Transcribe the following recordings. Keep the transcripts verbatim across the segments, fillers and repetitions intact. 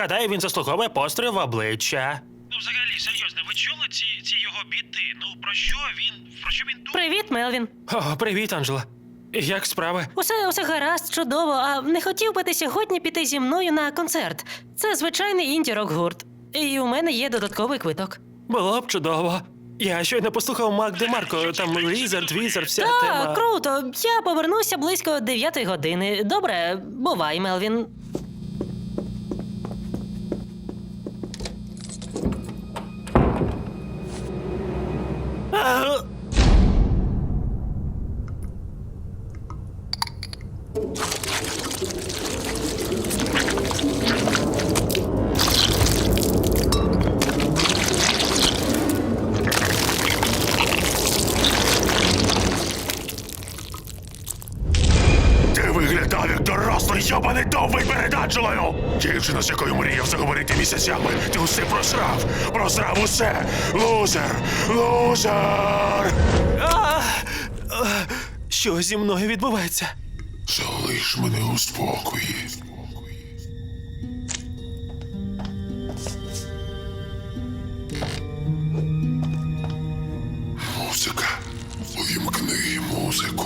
Гадаю, він заслуговує постріл в обличчя. Ну, взагалі, серйозно, ви чули ці, ці його біти? Ну, про що він, про що він думає? Привіт, Мелвін. О, привіт, Анджела. Як справи? Усе, усе гаразд, чудово. А не хотів би ти сьогодні піти зі мною на концерт? Це звичайний інді-рок-гурт. І у мене є додатковий квиток. Було б чудово. Я щойно послухав Мак Демарко, там Лізард, Візард, вся Так, тема. круто. Я повернуся близько дев'ятої години. Добре, бувай, Мелвін. А, Ти виглядав як дорослий йобаний довбий перед Анджелою! Дівчина, з якою мріяв заговорити місяцями, ти усе просрав! Просрав усе! Лузер! Лузер! а, а, Що зі мною відбувається? Залиш мене у спокої. Музика. Увімкни музику.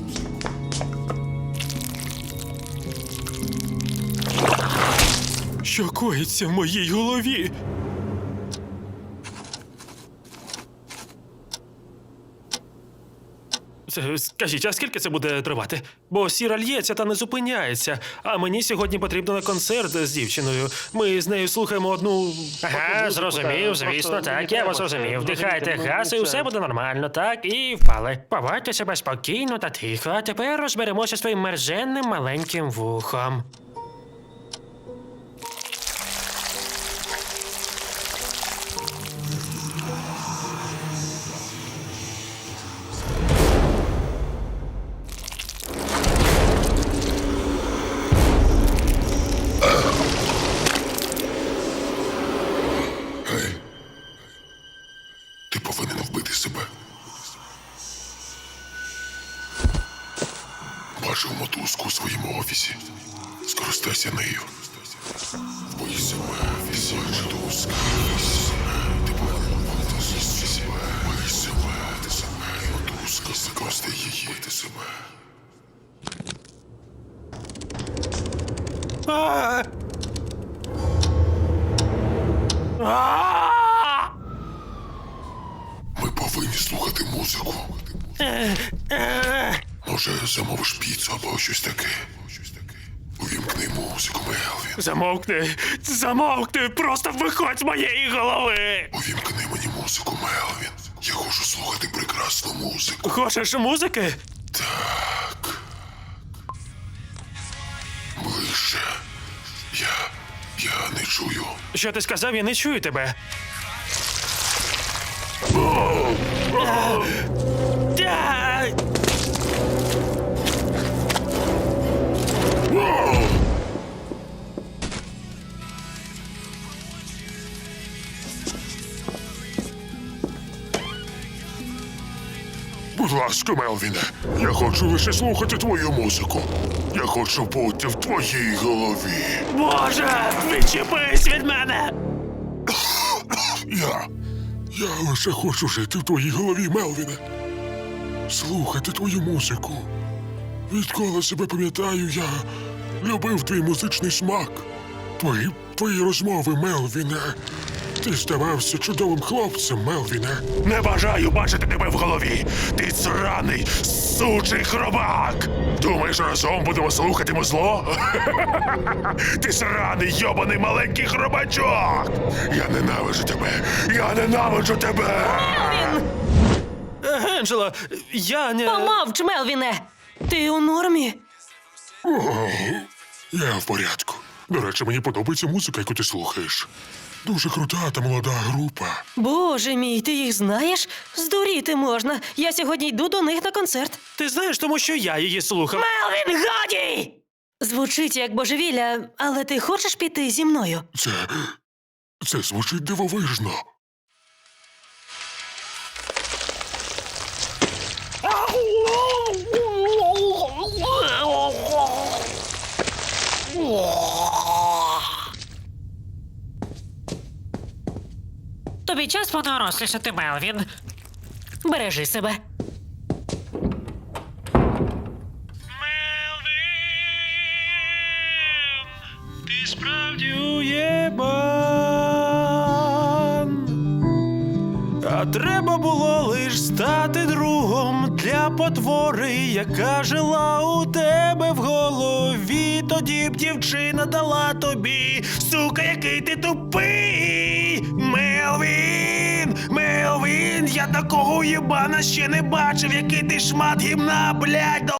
Що коїться в моїй голові? Це, скажіть, а скільки це буде тривати? Бо сіра лється та не зупиняється. А мені сьогодні потрібно на концерт з дівчиною. Ми з нею слухаємо одну. Ага, зрозумів, звісно, так, я вас зрозумів. Вдихайте газ і все буде нормально, так, і впали. Поводьте себе спокійно та тихо, а тепер розберемося своїм мерзенним маленьким вухом. Гей. Ти повинен вбити себе. Бачив мотузку у своєму офісі. Скористайся нею. Вбий себе. Офісі. Мотузка. Ти повинен вбити себе. Вбий себе. Ти себе. Мотузка. Використай її. Вбити себе. А! А! Ми повинні слухати музику. Може, замовиш піцу або щось таке. Увімкни музику, Мелвін. Замовкни! Замовкни! Просто виходь з моєї голови! Увімкни мені музику, Мелвін. Я хочу слухати прекрасну музику. Хочеш музики? Так. Ближче. Я... я не чую. Що ти сказав, я не чую тебе. Та! Будь ласка, Мелвіне, я хочу лише слухати твою музику. Я хочу бути в твоїй голові. Боже, відчепись від мене! Я... я лише хочу жити в твоїй голові, Мелвіне. Слухати твою музику. Відколи себе пам'ятаю, я любив твій музичний смак. Твої, твої розмови, Мелвіне. Ти здавався чудовим хлопцем, Мелвіне. Не бажаю бачити тебе в голові. Ти сраний, сучий хробак. Думаєш, разом будемо слухати музло? Ти сраний, йобаний маленький хробачок. Я ненавиджу тебе. Я ненавиджу тебе. Анджела, я не... Помовч, Мелвіне! Ти у нормі? Я в порядку. До речі, мені подобається музика, яку ти слухаєш. Дуже крута та молода група. Боже мій, ти їх знаєш? Здуріти можна. Я сьогодні йду до них на концерт. Ти знаєш, тому що я її слухав. Мелвін, годі! Звучить як божевілля, але ти хочеш піти зі мною? Це... це звучить дивовижно. Тобі час подорослішати, Мелвін. Бережи себе. Ти справді уєбан. А треба було лиш стати другом для потвори, яка жила у тебе в голові. Тоді б дівчина дала тобі, сука, який ти тупий. Мелвін, Мелвін, я такого уєбана ще не бачив, який ти шмат гімна, блядь.